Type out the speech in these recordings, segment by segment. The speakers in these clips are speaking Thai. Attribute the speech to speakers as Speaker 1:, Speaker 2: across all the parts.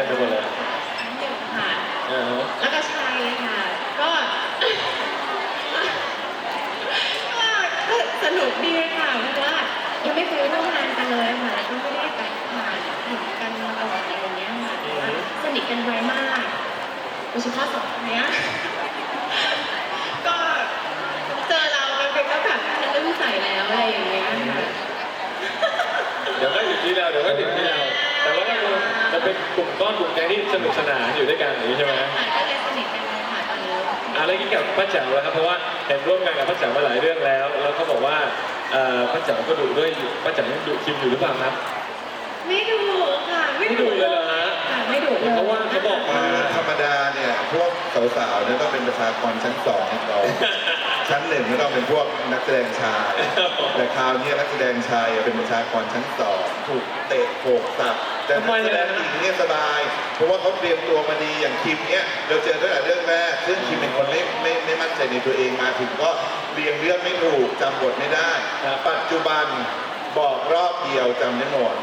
Speaker 1: ไปหมดเลย
Speaker 2: หนึ่งค่ะแล้วก็ชัยค่ะก็สนุกดีค่ะเพราะว่ายังไม่เคยร่วมงานกันเลยค่ะแล้วก็ไม่ได้แบบผ่านเห็นกันมาก่อนอะไรอย่างเงี้ยค่ะแต่ว่าสนิทกันไวมากโดยเฉพาะสองคนเนี้ยก็เจอเรามันเป็นก็แบบทะลึ่งใส่แล้วอะไรอย่างเงี้ยค่ะ
Speaker 1: เดี๋ยวก็อยู่ที่เราแต่ว่ามันเป็นกลุ่มก้อนกลุ่มแก๊งที่สนุกสนานอยู่ด้วยกันอย่างนี้ใช่ไหม
Speaker 2: ก็เลยสนิทกันเลยค่ะตอนนี้
Speaker 1: อะไรกินกับป้าแจ๋วแล้วครับเพราะว่าเห็นร่วมงานกับป้าแจ๋วมาหลายเรื่องแล้วเขาบอกว่าป้าแจ๋วก็ดุด้วยป้าแจ๋วยังดุคิมอยู่หรือเปล่าครับ
Speaker 2: ไม่ดุค่ะ
Speaker 1: ไม่ดุเลยเหรอฮะ
Speaker 2: ไม่ดุเลย
Speaker 1: เพราะว่าเขาบอกมา
Speaker 3: ธรรมดาเนี่ยพวกสาวๆเนี่ยต้องเป็นประชากรชั้น2ของเราชั้น1ก็ต้องเป็นพวกนักแสดงชายแต่คราวนี้นักแสดงชายเป็นประชากรชั้น2ถูกเตะโขกสับแต่นักแสดงหญิงเนี่ยสบายเพราะว่าเขาเตรียมตัวมาดีอย่างคิมเนี่ยเราเจอตั้งแต่เรื่องแรกซึ่งคิมเป็นคนไม่มั่นใจในตัวเองมาถึงก็เรียงเรื่องไม่ถูกจำบทไม่ได้ปัจจุบันบอกรอบเดียวจำได้หมด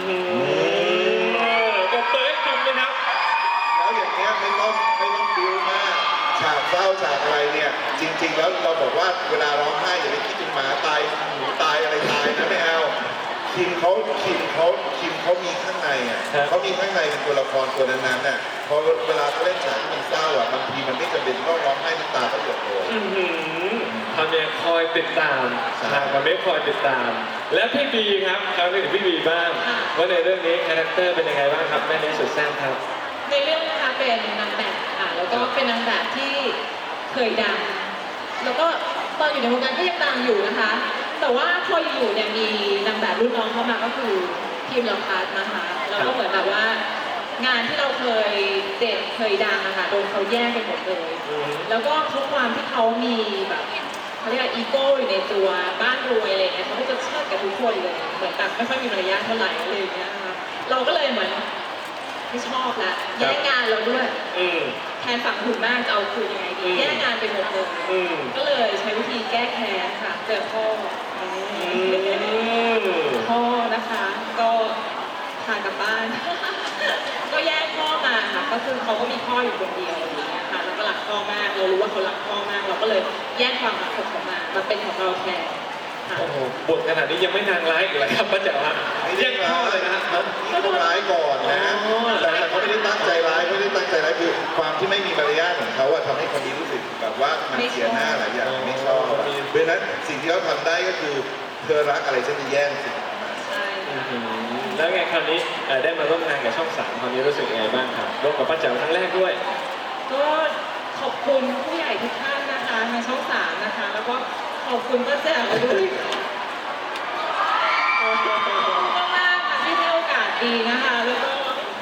Speaker 1: ก็เปิดคิมเลยครับ
Speaker 3: แล้วอย่างเงี้ยไม่ต้องดูมากฉากเศร้าฉากอะไรเนี่ยจริงๆแล้วเราบอกว่าเวลาร้องไห้อย่าไปคิดถึงหมาตายหมูตายอะไรตายนะไม่เอาคิมเขามีข้างในอ่ะเขามีข้างในเป็นตัวละครตัวนั้นๆน่ะพอเวลาเขาเล่นฉากที่มันเศร้าอ่ะบางทีมันไม่จำเป็นต้องร้องไห้น้ำตาก็หยดเลย
Speaker 1: ทำเนี่ยคอยติดตามทางมันไม่คอยติดตามและพี่บีครับคราวนี้ถึงพี่บีบ้างว่าในเรื่องนี้คาแรคเตอร์เป็นยังไงบ้างครับแม่เลี้ยงสุดแซ่บครับ
Speaker 2: ในเรื่องนะคะเป็นนางแบบค่ะแล้วก็เป็นนางแบบที่เคยดังแล้วก็ตอนอยู่ในวงการก็ยังดังอยู่นะคะแต่ว่าพออยู่เนี่ยมีนางแบบรุ่นน้องเข้ามาก็คือทีมเราคัสนะคะแล้วก็เหมือนแบบว่างานที่เราเคยเด่นเคยดังนะคะโดนเขาแย่งไปหมดเลยแล้วก็ทุกความที่เขามีแบบเขาเรียกว่าอีโก้อยู่ในตัวบ้านรวยอะไรเงี้ยเขาก็จะเชิดกับทุกคนเลยเหมือนแบบไม่ค่อยมีมารยาทเท่าไหร่อะไรอย่างเงี้ยนะคะเราก็เลยเหมือนไม่ชอบละแย่งงานเราด้วยแทนฝั่งหุ่นมากจะเอาคืนยังไงดีแย่งงานไปหมดเลยก็เลยใช้วิธีแก้แค้นค่ะเจอพ่อนะคะก็พากลับบ้านก็แยกพ่อมาค่ะก็คือเขาก็มีพ่ออยู่คนเดียวอย่างเงี้ยค่ะแล้วก็รักพ่อมากเรารู้ว่าเขารักพ่อมากเราก็เลยแยกความรักของเขามาเป็นของเราแทน
Speaker 1: โอ้โหบทขนาดนี้ยังไม่นางร้ายอีกเลยครับป้าแจ๋วฮะแยกพ่อเลยนะครับ
Speaker 3: เขาร้ายก่อนนะแต่เขาไม่ได้ตั้งใจร้ายคือความที่ไม่มีมารยาทของเขาอะทำให้คนนี้รู้สึกแบบว่ามันเสียหน้าหลายอย่างไม่ชอบเพราะฉะนั้นสิ่งที่เขาทำได้ก็คือเธอรักอะไรฉันจะแย่งสิ่งนั้น
Speaker 1: แล้วไงคราวนี้ได้มาร่วมงานกับช่อง3คราวนี้รู้สึกยังไงบ้างครับร่วมกับป้าแจ๋วครั้งแรกด้วย
Speaker 2: ก็ขอบคุณผู้ใหญ่ทุกท่านนะคะในช่อง3นะคะแล้วก็ขอบคุณป้าแจ๋วด้วยมากๆค่ะที่ให้โอกาสดีนะคะแล้วก็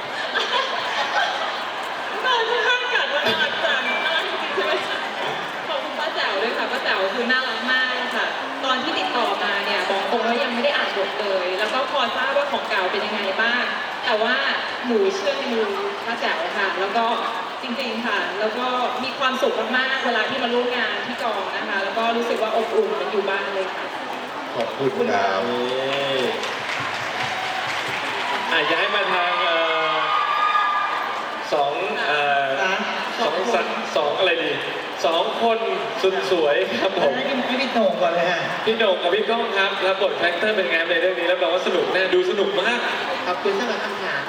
Speaker 2: ตอนที่ท่านกัดว่าน่ารักจังน่ารักจริงๆใช่ไหมขอบคุณป้าแจ๋วด้วยค่ะป้าแจ๋วคือน่ารักมากค่ะตอนที่ติดต่อมาเนี่ยบอกตรงว่ายังไม่ได้อ่านบทเลยแล้วก็พอทราบว่าของเก่าเป็นยังไงบ้างแต่ว่าหนูเชื่อในมือป้าแจ๋วค่ะแล้วก็จริงๆค่ะแล้วก็มีความสุขมากๆเวลาที่มาร่วมงานที่กองนะคะแล้วก็รู้สึกว่าอบอุ่นมันอยู่บ้านเลยค่ะ
Speaker 3: ขอบคุณครับ
Speaker 1: ย้ายมาทางสองอะไรดี2 คนสุดสวยครับผม
Speaker 4: พี่โหน่งก่อนเลยฮะ
Speaker 1: พี่โหน่งกับพี่ก้องครับรับบทคาแรคเตอร์เป็นไงในเรื่องนี้แล้วบอกว่าสนุกแน่ดูสนุกมาก
Speaker 4: ขอบคุณสำหรับคำถาม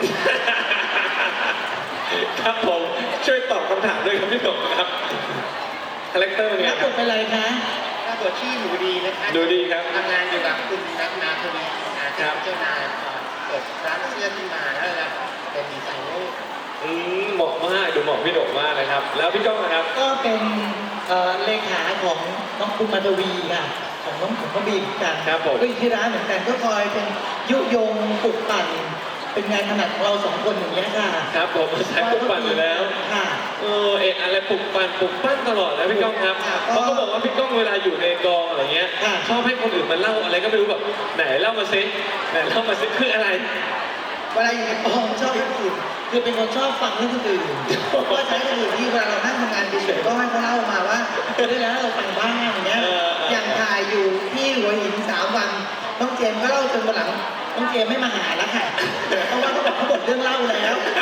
Speaker 1: ครับผมช่วยตอบคำถามด้วยครับพี่โหน่งครับคาแรคเตอร์เป็นไง
Speaker 4: รับบทเป็นอะไรคะรับบทที่หนูดีนะคะ
Speaker 1: ดูดีครับ
Speaker 4: ทำงานอยู่กับคุณนัทนาทวีครับเจ้านายเปิดร้านเสื้อขึ้นมาแล้วเป็นดีไซเนอร์
Speaker 1: เหมาะมากดูเหมาะพี่โหน่งมากนะครับแล้วพี่ก้องนะครับ
Speaker 4: ก็เป็นเลขาของน้องคุณมาทวีค่ะของน้องบีกัน
Speaker 1: ครับผม
Speaker 4: ก็อยู่ที่ร้านเหมือนกันก็คอยเป็นยุยงปลุกปั่นเป็นงานถนัดของเรา2 คนอย่างนี้ค่ะ
Speaker 1: ครับผมสายปลุกปั่นอยู่แล้ว
Speaker 4: ค่ะ
Speaker 1: อะไรปลุกปั่นตลอดนะพี่ก้องครับเขาก็บอกว่าพี่ก้องเวลาอยู่ในกองอะไรเงี้ยชอบให้คนอื่นมาเล่าอะไรก็ไม่รู้แบบไหนเล่ามาซิคืออะไร
Speaker 4: เวลาอยู่ในกองชอบให้คนอื่นคือเป็นคนชอบฟังเรื่องคนอื่นก็ใช้คนอื่นที่เวลาเรานั่งทำงานเฉยๆก็ให้เขาเล่ามาว่าได้แล้วเราฟังบ้างอย่างเงี้ยอย่างถ่ายอยู่ที่หัวหิน3 วันน้องเจมก็เล่าจนวันหลังน้องเจมไม่มาหาแล้วค่ะเพราะว่าเขาบอกเขาหมดเรื่องเล่าแล้วให้ไป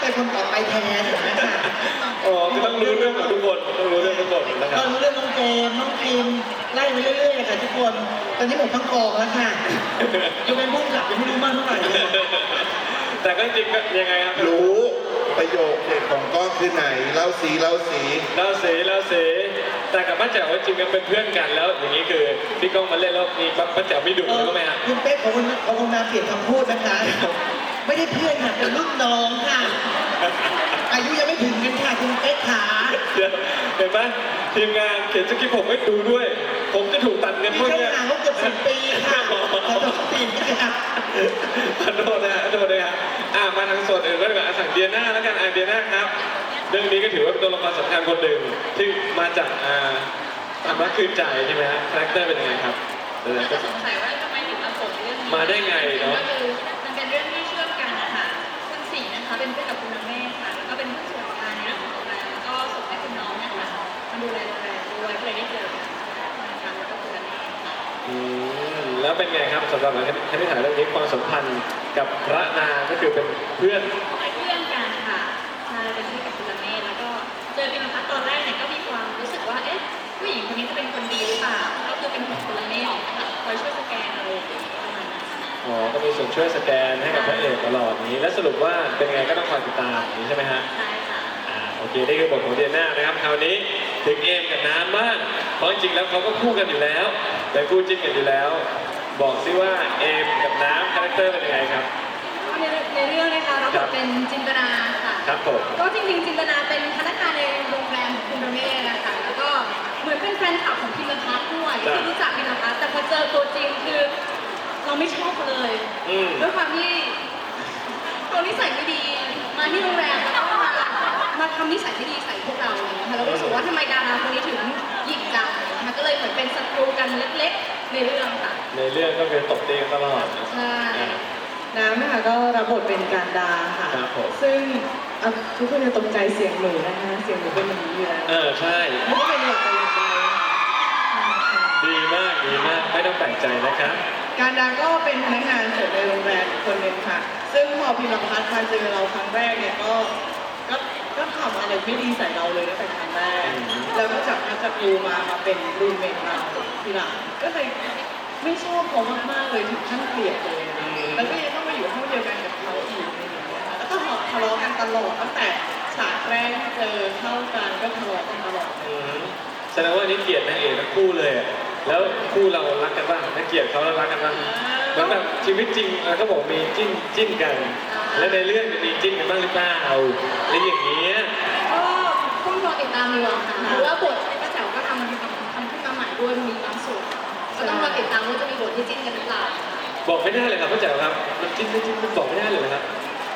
Speaker 4: เป็นคนต่อไปแทนนะคะ
Speaker 1: อ๋อคือต้องรู้เรื่องของทุกคนต้องรู้เรื่องทุกคนนะค
Speaker 4: ต
Speaker 1: รั
Speaker 4: อบ นรู้เรื่องน้องเจมส์น้องคิมไล่ไปเรื่อยๆเลยค่ะทุกคน ตอนนี้หมดทั้งกองแล้วค่ะยังเป็นผู้กำกับยังไม่รู้มากเท่าไหร่เลย
Speaker 1: แต่ก็จริงก็ยังไงครับ
Speaker 3: รู้ประโยคเด็ดของก้องคือไหนเล่าสีเล่าสี
Speaker 1: เราเสแต่กับป้าแจ๋วจริงกันเป็นเพื่อนกันแล้ว อย่างนี้คือพี่ก้องมาเล่นแล้วมีป้าแจ๋วไม่ดุเลยก็ไหมฮะ
Speaker 4: คุณเป๊กของคุณนาเปลี่ยนคำพูดนะคะ ไม่ได้เพื่อนค่ะเป็นรุ่นน้องค่ะ อายุยังไม่ถึงกันค่ะคุณเป๊กขา
Speaker 1: เดี๋ยวเห็นไหมทีมงานเขียนสคริปต์ผมไม่ดูด้วย ผมจะถูกตัดเงิน
Speaker 4: มี
Speaker 1: พวก
Speaker 4: ช่อง
Speaker 1: เนี้ย
Speaker 4: ทางเขาเกือบ10 ปีค่ะขอโทษทีค่ะ
Speaker 1: ขอโทษนะฮะขอโทษนะฮะมาทางส่วนอื่นก็ดีกว่าสั่งเดียน่าแล้วกันเดียน่าครับเรื่องนี้ก็ถือว่าเป็นตัวละครสำคัญคนหนึ่งที่มาจากตามรักคืนใจใช่ไหมฮะคาแรคเตอร์เป็นยังไงครับเดี๋ยว
Speaker 2: อาจ
Speaker 1: ก็
Speaker 2: จะสงสัยว่าทำไมถึงมาส่งเรื่องนี้
Speaker 1: มาได้ไงเนอะ
Speaker 2: ก็คือมันเป็นเรื่องที่เชื่อมกันนะคะคุณสิงห์นะคะเป็นเพื่อนกับคุณน้ำเมฆค่ะแล้วก็เป็นผู้ส่วนกลางในเรื่องของโรงแรมแล้วก็ส่งให้คุณน้องเนี่ยค่ะมาดูแลโรงแรมด้วยก็เลยได้เจอกันนะคะแล้วก็คุณน้ำเมฆค่ะ
Speaker 1: แล้วเป็นไงครับสำหรับคณิตศาสตร์เรื่องนี้ความสัมพันธ์กับพระนางก็คือเป็นเพื่อน
Speaker 2: เป็นเพื่อนกันค่ะใช่เป็นเพื่อนกับคุณละเมธแล้วก็เจอพิมพัฒน์ตอนแรกเนี่ยก็มีความรู้สึกว่า เอ๊ะ ผู้หญิงคนนี้จะเป็นคนดีหรือเปล่า ก็คือเป็นห่วงคุณละเมธค่ะคอยช่วยสแกนอะไรอย่างเงี้ยประมาณนั้นค่ะ
Speaker 1: อ๋อ ก็มีส่วนช่วยสแกนให้กับพระเอกตลอดนี้ และสรุปว่าเป็นไงก็ต้องคอยติดตามอย่างนี้ใช่ไหมฮะ
Speaker 2: ใช่ค่ะ
Speaker 1: โอเค นี่คือบทของเดียน่านะครับ คราวนี้ถึงเอมกับน้ำบ้าง เพราะจริงๆแล้วเขาก็คู่กันอยู่แล้วเป็นคู่จิ้นกันอยู่แล้ว บอกซิว่าเอมกับน้ำคาแรคเตอร์เป็นยังไงครับ
Speaker 2: ในเรื่องนะคะรับบทเป็นจินตนาค่ะ
Speaker 1: ครับผม
Speaker 2: ก็จริงๆจินตนาเป็นพนักงานในโรงแรมของคุณละเมธนะคะ แล้วก็เหมือนเป็นแฟนคลับของพิมพัฒน์ด้วยที่รู้จักพิมพัฒน์แต่พอเจอตัวจริงคือเราไม่ชอบเขาเลย ด้วยความที่เขานิสัยไม่ดี มาที่โรงแรมแล้วก็มาทำนิสัยไม่ดีใส่พวกเราอะไรอย่างเงี้ยค่ะเราก็รู้สึกว่าทำไมดาราคนนี้ถึงหยิกจังนะคะก็เลยเหมือนเป็นศัตรูกันเล็กๆในเรื่องค่ะ
Speaker 1: ในเรื่องก็คือตบตีกันตลอด
Speaker 2: ใช่
Speaker 5: น้ำนะคะก็รับบทเป็นการดาค่ะ
Speaker 1: ครับผม
Speaker 5: ซึ่งทุกคนจะตกใจเสียงหนูนะคะเสียงหนูเป็นอย่างนี้อยู่แล้ว
Speaker 1: ใช่
Speaker 5: ไม่ได้เป็นหลักแต่อย่างใดค่ะ
Speaker 1: ดีมาก ไม่ต้องแปลกใจนะครับ
Speaker 5: การดาก็เป็นพนักงานเสิร์ฟในโรงแรมอีกคนหนึ่งค่ะ ซึ่งพอพิมพ์พัฒน์มาเจอเราครั้งแรกเนี่ยก็ทำอะไรไม่ดีใส่เราเลยตั้งแต่ครั้งแรก แล้วก็จากนั้นจากดูมาเป็นรูมเมทเราทีหลังก็เลยไม่ชอบเขามากๆเลยถึงขั้นเกลียดเลยอะแล้วก็ยังต้องมาอยู่ห้องเดียวกันกับเขาอีกอะไรอย่างเงี้ยค่ะแล้วก็ทะเลาะกันตลอดตั้งแต่ฉากแรกที่เจอเข้ากันก็ทะเลาะกันตลอด
Speaker 1: แสดงว่าอันนี่เกลียดนางเอกทั้งคู่เลยอะแล้วคู่เรารักกันบ้างนักเกลียดเขาแล้วรักกันบ้างเหมือนแบบชีวิตจริงเขาบอกมีจิ้นกัน แล้วในเรื่องมีจิ้นกันบ้างหรือเปล่าอะไรอย่างเงี้ย
Speaker 2: ก็ต้องรอติดตามดีกว่าค่ะเพราะว่าบทป้าแจ๋วก็ทำขึ้นมาใหม่ด้วยมีบางส่วนก็ต้องรอติดตามว่าจะมีบทที่จิ้นกันหรือเปล่า
Speaker 1: บอกไม่ได้เลยครับพ่อแจ๋วครับมันจิ้นไม่จิ้นมันบอกไม่ได้เลยนะครับ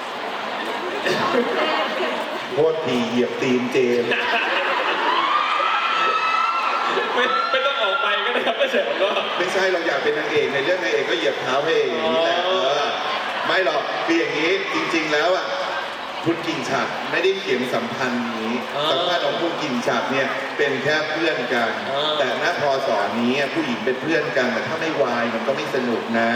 Speaker 3: โทษทีเหยียบตีนเจมส์
Speaker 1: ไม่ต้องออกไปก็ได้ครับพ่อแจ๋วก็
Speaker 3: ไม่ใช่เราอยากเป็นนางเอกในเรื่องนางเอกก็เหยียบเท้าพระเอกอย่างนี้แหละ
Speaker 1: อ๋อ
Speaker 3: ไม่หรอกคืออย่างนี้จริงๆแล้วอ่ะคุณกิ่งฉัดไม่ได้เขียนสัมพันธ์นี้สัมพันธ์ของคุณกิ่งฉัดเนี่ยเป็นแค่เพื่อนกัน แต่ณพอสอนนี้ผู้หญิงเป็นเพื่อนกันแต่ถ้าไม่วายมันก็ไม่สนุกนะ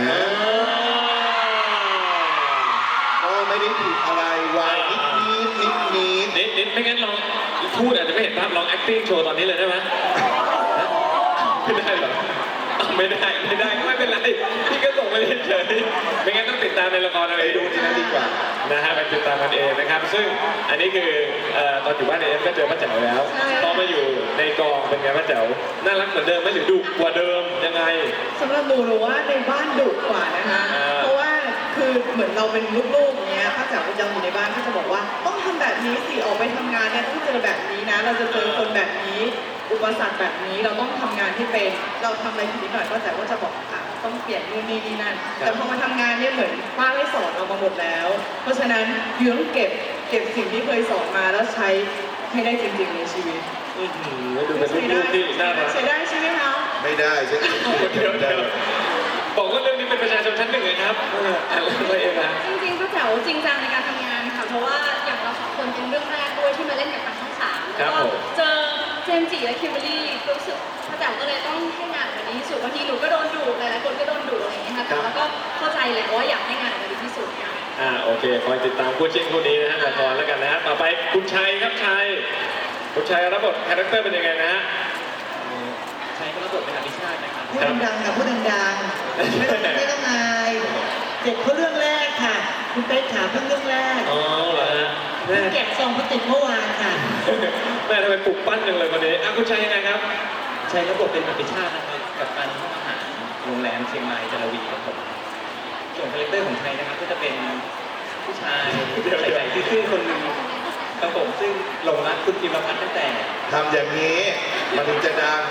Speaker 3: ก็ไม่ได้ผิดอะไรวายนิด
Speaker 1: ไม่งั้นลองพูดอาจจะไม่เห็นภาพลอง acting โชว์ตอนนี้เลยได้ไหมไม่ได้เหรอไม่ได้ก็ไม่เป็นไรพี่ก็ส่งมาเฉยๆไม่งั้นต้องติดตามในละครเอา
Speaker 3: ไป
Speaker 1: เอง
Speaker 3: ดูที่นั่นดีกว่า
Speaker 1: นะฮะไปติดตามกันเองนะครับ ซึ่งอันนี้คือตอนอยู่บ้านในเอฟก็เจอป้าแจ๋วแล้วพอมาอยู่ในกองเป็นไงป้าแจ๋วน่ารักเหมือนเดิมไหมหรือดุกว่าเดิมยังไง
Speaker 5: สำหรับหนูว่าในบ้านดุกว่านะคะ เพราะว่าคือเหมือนเราเป็นลูกๆอย่างเงี้ยถ้าจ๋าประจำอยู่ในบ้านก็จะบอกว่าต้องทำแบบนี้สิออกไปทำงานเนี่ยต้องเจอแบบนี้นะ เราจะเจอคนแบบนี้ อุปสรรคแบบนี้เราต้องทำงานที่เป็น เราทำอะไรผิดนิดหน่อยก็แต่ว่าจะบอกค่ะต้องเปลี่ยนนู่นนี่นั่น แต่พอมาทำงานเนี่ยเหมือนป้าได้สอนเรามาหมดแล้ว เพราะฉะนั้นยูต้องเก็บสิ่งที่เคยสอนมาแล้วใช้ให้ได้จริงๆในชีวิต
Speaker 1: ดูเป็นลูกๆที่น่ารัก
Speaker 5: ใช้ได้ใช่ไหมคะ
Speaker 3: ไม่ได้ใช่ไหม
Speaker 1: เดี๋ยวบอกว่าเรื่องนี้เป็นประชาชนชั้นหนึ่งเลยครับอะไรเองนะ
Speaker 2: จริงๆป้าแจ๋วจริงจังในการทำงานค่ะเพราะว่าอย่างเราสองคนเป็นเรื่องแรกด้วยที่มาเล่นกับทางช่องสาม
Speaker 1: ครั
Speaker 2: แล้
Speaker 1: บ
Speaker 2: วก็
Speaker 1: ผม
Speaker 2: เจอเจมส์จิและคิมเบอรรี่รู้สึกป้าแจ๋วก็เลยต้องให้งานออกมาดีที่สุดบางทีหนูก็โดนดุหลายๆคนก็โดนดุอะไรอย่างเงี้ยค่ะแต่แล้วก็เข้าใจแหละว่าอยากให้งานออกมาดีที่สุดค่ะ
Speaker 1: โอเคคอยติดตามคู่จิ้นคู่นี้นะฮะละครแล้วกันนะฮะต่อไปคุณชัยครับชัยคุณชัยรับบทคาแรคเตอร์เป็นยังไงนะฮะ
Speaker 6: ใช้ก็รับบทเป็นอภิชาตินะครับ
Speaker 4: พูดดังๆค่ะพูดดังๆไม่ต้องอายเจ็บเพราะเรื่องแรกค่ะ คุณเป๊กถามเรื่องแรก
Speaker 1: อ๋อเหรอฮะแม่
Speaker 4: แกะซองพลาสติกเมื่อวานค่ะ
Speaker 1: แม่ทำไมปลุกปั้นจังเลยวันนี้คุณชัยยังไงครับ
Speaker 6: ใช้รับบทเป็นอภิชาตินะครับกับการห้องอาหารโรงแรมเชียงรายจารวีครับผมส่วนคาแรคเตอร์ของไทยนะครับก็จะเป็นผู้ชายใส่ซื่อๆคนหนึ่งครับผมซึ่งหลงรักคุณพิมพ์พัฒน์ตั้งแต่
Speaker 3: ทำอย่างนี้มันถึงจะดัง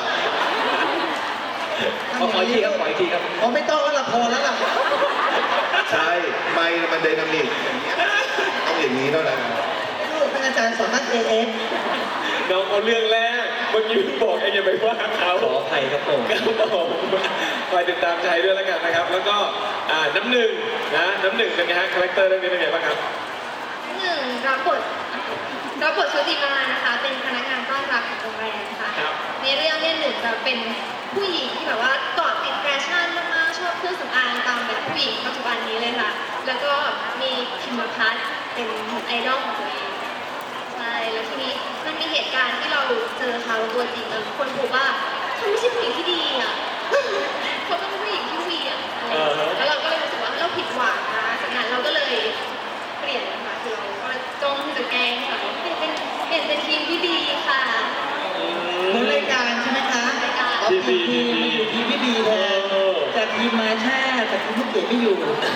Speaker 6: ขออีกทีครับขออีกทีครับ
Speaker 4: อ๋อไม่ต้องแล้วล่ะพอแล้วล่ะ
Speaker 3: ใช่ไม่มันไดนามิกอย่างเงี้ยต้องอย่างนี้เท่านั้น
Speaker 4: ลูกท่านอาจารย์สอนนัก AF
Speaker 1: น้องเอาเรื่องแรกเมื่อกี้เพิ่งบอกเองอย่าไปว่าเขา
Speaker 6: ขออภัยครับผม
Speaker 1: ครับผมคอยติดตามชัยด้วยแล้วกันนะครับ แล้วก็น้ำหนึ่งนะน้ำหนึ่งเป็นไงฮะคาแรคเตอร์เรื่องนี้เป็นไงบ้างครับ
Speaker 7: หนึ่งรับบทชุติมานะคะ เป็นพนักงานต้อนรับของโรงแรมค่ะ
Speaker 1: ครับ
Speaker 7: ในเรื่องเนี่ยหนึ่งจะเป็นผู้หญิงที่แบบว่าเกาะติดแฟชั่นมากๆชอบเครื่องสำอางตามแบบผู้หญิงปัจจุบันนี้เลยค่ะ แล้วก็มีพิมพ์พัฒน์เป็นไอดอลของตัวเองใช่แล้วทีนี้มันมีเหตุการณ์ที่เราเจอเขาตัวจริงแล้วคนพบว่าเขาไม่ใช่ผู้หญิงที่ดีอ่ะ เขาเป็นผู้หญิงที่เหวียงแล้วเราก็เลยรู้สึกว่าเราผิดหวังนะจากนั้นเราก็เลยเปลี่ยนนะคะคือเราก็จ้องที่จะแกล้งค่ะเปลี่ยนเป็นทีมที่ดีค่ะ
Speaker 4: เหมือนรายการใช่ไหมคะ
Speaker 7: รายการ
Speaker 4: อ๋อทีมมาอยู่ทีมพี่บีแทนแต่ทีมมาแช่แต่ทีมผู้เกียรติไม่อยู่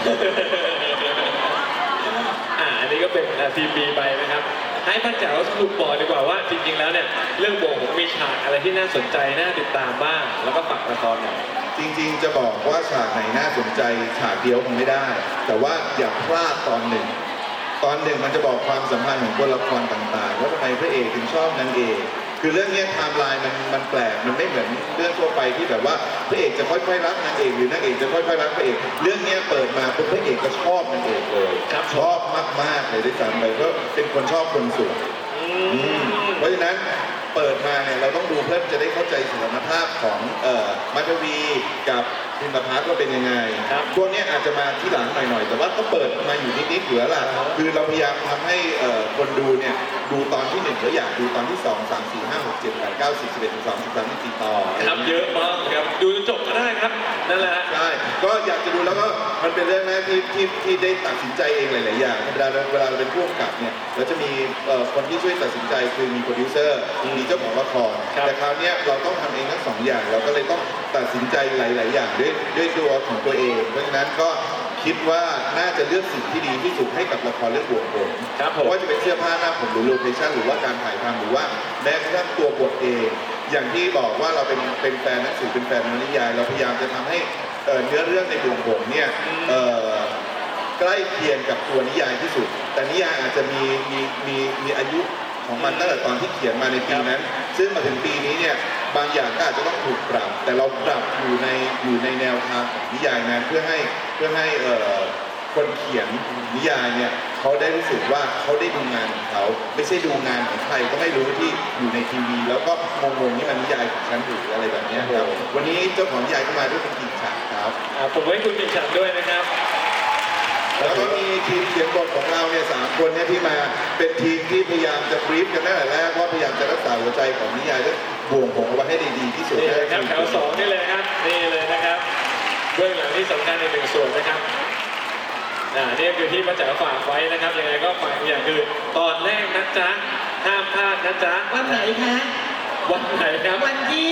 Speaker 1: อันนี้ก็เป็นทีมบีไปนะครับ ให้ป้าแจ๋วสรุปบอกดีกว่าว่าจริงๆแล้วเนี่ยเรื่องโบของมีฉากอะไรที่น่าสนใจน่าติดตามบ้าง แล้วก็ฝากละครหน่อย
Speaker 3: จริงๆจะบอกว่าฉากไหนน่าสนใจฉากเดียวคงไม่ได้ แต่ว่าอย่าพลาดตอนหนึ่งมันจะบอกความสัมพันธ์ของตัวละครต่างๆว่าทำไมพระเอกถึงชอบนางเอกคือเรื่องนี้ไทม์ไลน์มันแปลกมันไม่เหมือนเรื่องทั่วไปที่แบบว่าพระเอกจะค่อยๆรักนางเอกหรือนางเอกจะค่อยๆรักพระเอกเรื่องนี้เปิดมาปุ๊บพระเอกก็ชอบนางเอกเลย
Speaker 1: ครับ
Speaker 3: ชอบมากๆเลยด้วยซ้ำไปก็เป็นคนชอบคนสวยเพราะฉะนั้นเปิดมาเนี่ยเราต้องดูเพื่อจะได้เข้าใจสถานภาพของมัทวีกับพิมพ์พัฒน์ว่าเป็นยังไง
Speaker 1: ครับ
Speaker 3: พวกเนี้ยอาจจะมาที่หลังหน่อยๆแต่ว่าก็เปิดมาอยู่นิดๆเหลือล่ะคือเราพยายามทำให้คนดูเนี่ยดูตอนที่1แล้วอยากดูตอนที่2 3 4 5 6 7 8 9 10 11 12 13 14ต่อ
Speaker 1: ครับเยอะมากครับดูจนจบก็ได้ครับนั่นแหละฮะ
Speaker 3: ใช่ก็อยากจะดูแล้วก็มันเป็นเรื่องแรกที่ได้ตัดสินใจเองหลายๆอย่างเวลาเราเป็นผู้กำกับเนี่ยเราจะมีคนที่ช่วยตัดสินใจคือมีโปรดิวเซอร์มีเจ้าของละคร
Speaker 1: ครับ
Speaker 3: แต่คราวเนี้ยเราต้องทำเองทั้งสองอย่างเราก็เลยต้องตัดสินใจหลาย ๆ อย่างด้วยตัวของตัวเอง เพราะฉะนั้นก็คิดว่าน่าจะเลือกสิ่งที่ดีที่สุดให้กับละครเรื่องบวกผม
Speaker 1: ครับผม
Speaker 3: ว่าจะเป็นเสื้อผ้าหน้าผมหรือโลเคชั่นหรือว่าการถ่ายทำหรือว่าแม้กระทั่งตัวบทเอง อย่างที่บอกว่าเราเป็นแฟนหนังสือเป็นแฟนวรรณนิยาย เราพยายามจะทำให้เนื้อเรื่องในบวกผมเนี่ยใกล้เคียงกับตัวนิยายที่สุด แต่นิยายอาจจะมีอายุของมันตั้งแต่ตอนที่เขียนมาในปีนั้น ซึ่งมาถึงปีนี้เนี่ยบางอย่างก็อาจจะต้องถูกปรับ แต่เราปรับอยู่ในแนวทางของนิยายนั้นเพื่อให้คนเขียนนิยายเนี่ยเขาได้รู้สึกว่าเขาได้ดูงานของเขาไม่ใช่ดูงานของใครก็ไม่รู้ที่อยู่ในทีวี แล้วก็งงๆนี่มันนิยายของฉันหรืออะไรแบบเนี้ยครับวันนี้เจ้าของนิยายก็มาด้วยคุณกิ่งฉากครับ
Speaker 1: ผมให้คุณปิ่นฉันด้วยนะครับ
Speaker 3: แล้วก็มีทีมเขียนบทของเราเนี่ย3 คนเนี่ยที่มาเป็นทีมที่พยายามจะบรีฟกันตั้งแต่แรกว่าพยายามจะรักษาหัวใจของนิยายและบ่วงผมเอาไว้ให้ได้ดีที่สุด
Speaker 1: นี่เลยครับแถว2นี่เลยครับนี่เลยนะครับเบื้องหลังที่สำคัญใน1ส่วนนะครับนี่คือที่ป้าแจ๋วฝากไว้นะครับยังไงก็ฝากอย่างคือตอนแรกนะจ๊ะห้ามพลาดนะจ๊ะ
Speaker 4: วันไหนคะ
Speaker 1: วันไหนครับ
Speaker 4: วันที่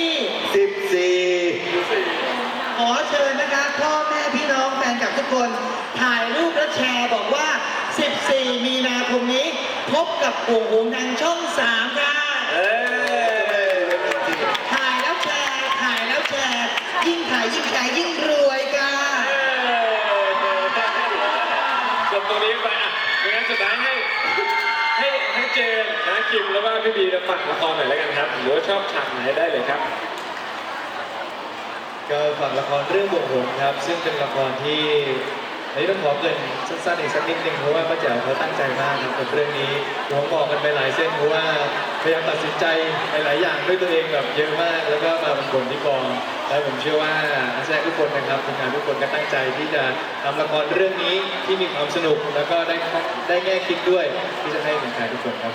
Speaker 3: 14
Speaker 4: ขอเชิญนะคะพ่อแม่พี่น้องแฟนคลับทุกคนถ่ายรูปและแชร์บอกว่า 14 มีนาคมนี้ พบกับโอ่งโหงทางช่อง 3 ค่ะ ถ่ายแล้วแชร์ ยิ่งถ่ายยิ่งแชร์ยิ่งรวยค่ะ
Speaker 1: จบตรงนี้ไปไม่งั้นสุดท้ายให้เจนนะคิมแล้วก็พี่บีฝากละครหน่อยแล้วกันครับหรือว่าชอบฉากไหนได้เลยครับ
Speaker 6: ก็ฝากละครเรื่องบวกผมครับ ซึ่งเป็นละครที่
Speaker 8: อันนี้ต้องขอเกริ่นสั้นๆอีกสักนิดนึงเพราะว่าป้าแจ๋วเขาตั้งใจมากครับกับเรื่องนี้หัวงอกกันไปหลายเส้นเพราะว่าพยายามตัดสินใจหลายๆอย่างด้วยตัวเองแบบเยอะมาก แล้วก็มาบนที่กองแล้วผมเชื่อว่านักแสดงทุกคนนะครับทีมงานทุกคนก็ตั้งใจที่จะทำละครเรื่องนี้ที่มีความสนุกแล้วก็ได้แง่คิดด้วยที่จะให้แฟนๆทุกคนครับผม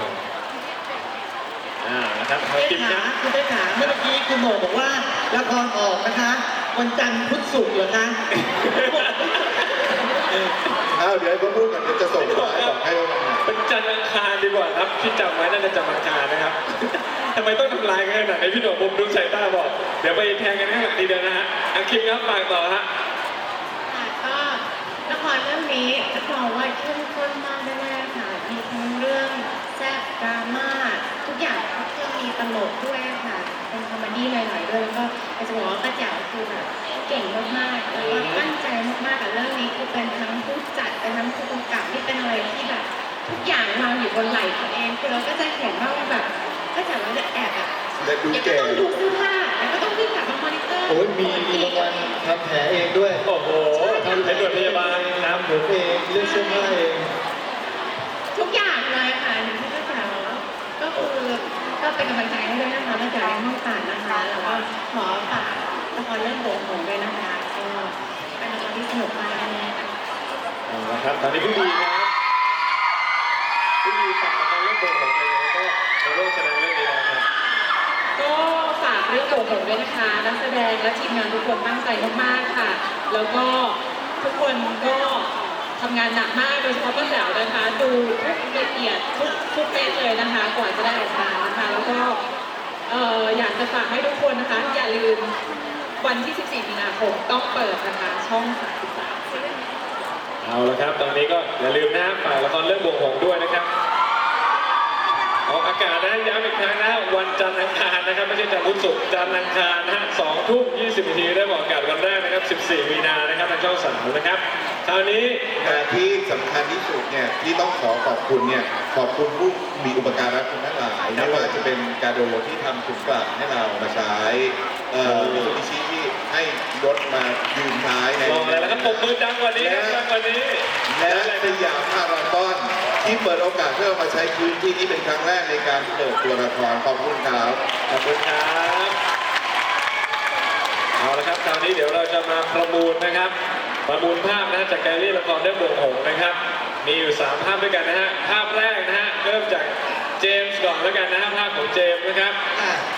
Speaker 1: นะครับ
Speaker 4: เต้
Speaker 1: กิน
Speaker 4: ขา
Speaker 1: นะ
Speaker 4: คุณเต้ขาเมื่อกี้คุณโหน่งบอกว่าละครออกนะคะวันจันทร์พุธศุกร์เหรอคะ
Speaker 3: อ้าวเดี๋ยวให้เขาพูดก่อนเดี๋ยวจะส่งมาให้บอกให้ว่าวันไหน
Speaker 1: เป็นจันทร์อังคารดีกว่าครับที่จำไว้น่าจะจำอังคารนะครับ ทำไมต้องทำลายกันขนาดนี้พี่หนุ่มผมดูสายตาบอกเดี๋ยวไปแทงกันข้างหลังดีเดียวนะฮะอาคิมครับฝากต่อฮะ
Speaker 9: ก็ละครเรื่องนี้รับรองว่าเข้มข้นมากแน่ๆค่ะมีทั้งเรื่องแซ่บดราม่าทุกอย่างครบเครื่องมีตลกด้วยค่ะเป็นคอมเมดี้หน่อยๆด้วยแล้วก็อยากจะบอกว่าป้าแจ๋วคือแบบเก่งมากๆแล้วก็ตั้งใจมากๆกับเรื่องนี้คือเป็นทั้งผู้จัดเป็นทั้งผู้กำกับที่เป็นอะไรที่แบบทุกอย่างวางอยู่บนไหล่ตัวเองคือเราก็จะเห็นว่าแบบป้าแจ๋วเราจะแอบแบบ
Speaker 3: และดู
Speaker 9: ยังก็
Speaker 3: แก่
Speaker 9: ต้องดูเสื้อผ้าแล้วก็ต้องวิ่งกลับมามอนิเตอร์
Speaker 8: โอ้ยมีรางวัลทำแผลเองด้วย
Speaker 1: โอ้โหทำเป็นหน่วยพยาบาลครับ
Speaker 8: ผมเองเลือกเสื้อผ้าเอง
Speaker 9: ทุกอย่างเลยค่ะอย่างที่ป้าแจ๋วก็คือก็เป็นกำลังใจให้ด้วยนะคะป้าแจ๋วยังไม่ตัดนะคะ แล้วก็ขอฝากละครเรื่องโบกหงด้วยนะคะก็เป็นละครที่สนุกมากแน่ๆค่ะ
Speaker 1: เอาละครับตอนนี้พี่ดีครับพี่ดีฝากละครเรื่องโบกของเลยแล้วก็มาร่วมแสดงเรื่องนี้แล้วครับ
Speaker 2: ก็ฝากเรื่องโบกหงด้วยนะคะนักแสดงและทีมงานทุกคนตั้งใจมากๆค่ะ แล้วก็ทุกคนก็ทำงานหนักมากโดยเฉพาะป้าแจ๋วนะคะ ดูทุกละเอียดทุกเม็ดเลยนะคะกว่าจะได้ออกมานะคะ แล้วก็อยากจะฝากให้ทุกคนนะคะ อย่าลืมวันที่ 14 มีนาคมต้องเปิดนะคะช่อง 33
Speaker 1: เอาละครับ ตอนนี้ก็อย่าลืมนะฝากละครเรื่องบวงหงส์ด้วยนะครับออกอากาศนะย้ำอีกครั้งนะวันจันทร์อังคารนะครับไม่ใช่จันทร์พุธศุกร์จันทร์อังคารนะฮะ2 ทุ่ม 20 นาทีได้บอกอากาศวันแรกนะครับ 14 มีนานะครับทางช่อง3นะครับคราวนี้
Speaker 3: แต่ที่สำคัญที่สุดเนี่ยที่ต้องขอขอบคุณเนี่ยขอบคุณผู้มีอุปการะคุณทั้งหลายไม่ว่าจะเป็นการโดที่ทำถุงกลับให้เรามาใช้มิซูบิชิที่ให้รถมายืนท้ายใน
Speaker 1: รออะไรแล้วครับปมมือดังกว่านี้ครับดังกว่านี้
Speaker 3: และสยามพารากอนที่เปิดโอกาสให้เรามาใช้พื้นที่นี้เป็นครั้งแรกในการเปิดตัวละครขอบคุณครับ
Speaker 1: ขอบคุณครับ เอาละครับคราวนี้เดี๋ยวเราจะมาประมูลนะครับ ประมูลภาพนะฮะจากแกลลี่ละครเรื่องบวงหงส์นะครับ มีอยู่ 3 ภาพด้วยกันนะฮะ ภาพแรกนะฮะ เริ่มจากเจมส์ก่อนแล้วกันนะฮะ ภาพของเจมส์นะครับ
Speaker 4: ค่ะ